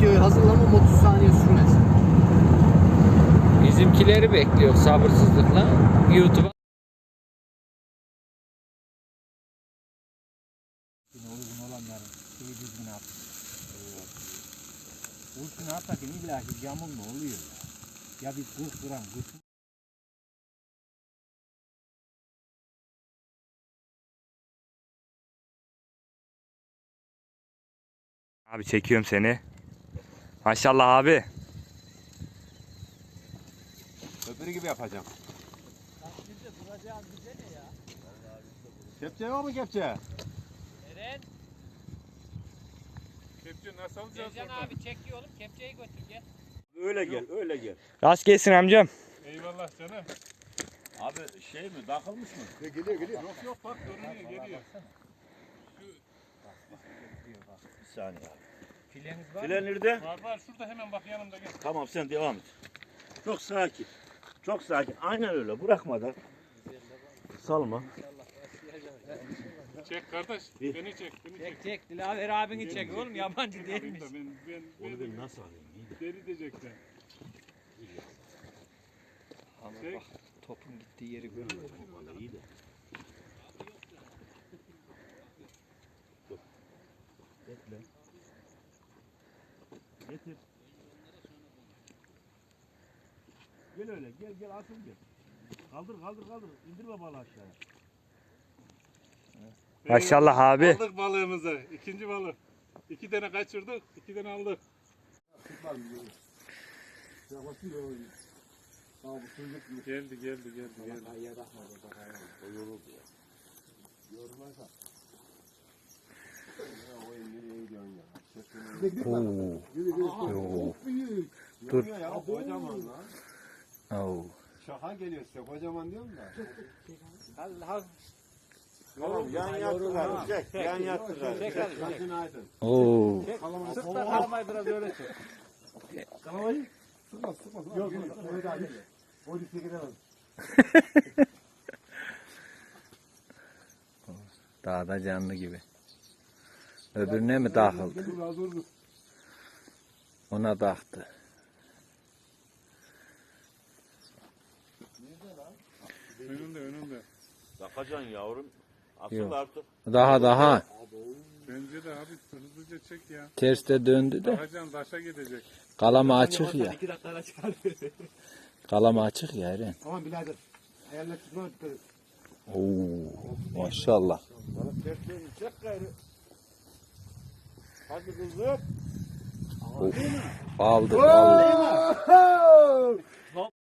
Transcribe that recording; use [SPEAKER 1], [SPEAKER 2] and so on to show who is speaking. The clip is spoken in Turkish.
[SPEAKER 1] videoyu hazırlamam 30 saniye sürmez.
[SPEAKER 2] Bizimkileri bekliyor sabırsızlıkla. YouTube'a.
[SPEAKER 3] Yine uygun olanların şeyi düzgün at. Uygun atarken illa ki yamulma oluyor ya. Ya bir 40 gram kurşun.
[SPEAKER 4] Abi çekiyorum seni. Maşallah abi.
[SPEAKER 5] Öbürü gibi yapacağım. Kepçe var mı kepçe?
[SPEAKER 2] Eren.
[SPEAKER 6] Kepçe nasıl alacağız
[SPEAKER 2] Ercan
[SPEAKER 6] oradan?
[SPEAKER 2] abi çekiyor oğlum. Kepçeyi götür gel.
[SPEAKER 5] Öyle gel, öyle gel.
[SPEAKER 4] Rast gelsin amcam.
[SPEAKER 6] Eyvallah canım.
[SPEAKER 5] Abi şey mi, takılmış mı?
[SPEAKER 6] Geliyor. Yok yok bak görünüyor geliyor.
[SPEAKER 5] Bir saniye abi.
[SPEAKER 2] Fileniz var
[SPEAKER 5] File
[SPEAKER 2] mı?
[SPEAKER 5] nerede?
[SPEAKER 6] Var şurada hemen bak yanımda gel.
[SPEAKER 5] Tamam sen devam et. Çok sakin. Çok sakin. Aynen öyle. Bırakmadan. Salma.
[SPEAKER 6] Çek kardeş. Beni çek.
[SPEAKER 2] Çek. Dilaver abini çek oğlum. Yabancı değilmiş.
[SPEAKER 5] Onu ben nasıl alayım? İyi de.
[SPEAKER 6] Deli diyecekler.
[SPEAKER 2] Ama
[SPEAKER 6] Çek.
[SPEAKER 2] bak topun gittiği yeri görüyor.
[SPEAKER 5] Vallahi iyi de. Dur. Bekle. Getir. Gel öyle. Gel asıl gel. Kaldır. İndirme balığı aşağıya.
[SPEAKER 4] Maşallah abi.
[SPEAKER 6] Aldık balığımızı. İkinci balık. 2 tane kaçırdık. 2 tane aldık. Geldi.
[SPEAKER 4] Dur.
[SPEAKER 5] Ya kocaman lan.
[SPEAKER 4] Oo.
[SPEAKER 5] Şaka geliyor size kocaman diyorum da.
[SPEAKER 2] Allah.
[SPEAKER 5] Tamam yan yattılar. Çek. Yan yattılar.
[SPEAKER 2] Çek hadi, çek.
[SPEAKER 5] Başın aydın.
[SPEAKER 4] Oo.
[SPEAKER 2] Sırtla kalmayı biraz öyle çek.
[SPEAKER 5] Yok. Öyle abi. Polise gidemez.
[SPEAKER 4] Dağda canlı gibi. Öbürüne mi takıldı?
[SPEAKER 5] Dur.
[SPEAKER 4] Ona taktı.
[SPEAKER 6] Önünde.
[SPEAKER 5] Takacaksın yavrum. Asıl
[SPEAKER 4] Yok.
[SPEAKER 5] artık.
[SPEAKER 4] Daha.
[SPEAKER 6] Bence de abi hızlıca çek ya.
[SPEAKER 4] Terste döndü de.
[SPEAKER 6] Takacan taşa gidecek.
[SPEAKER 4] Kalama açık ya.
[SPEAKER 3] 2 dakikada çıkar.
[SPEAKER 4] Kalama açık ya Eren.
[SPEAKER 3] Tamam birader. Ayarla tutma dikkat et.
[SPEAKER 4] Oo. Maşallah.
[SPEAKER 5] Bana terslerini çek gayrı. Hadi kızım.
[SPEAKER 4] Aldı.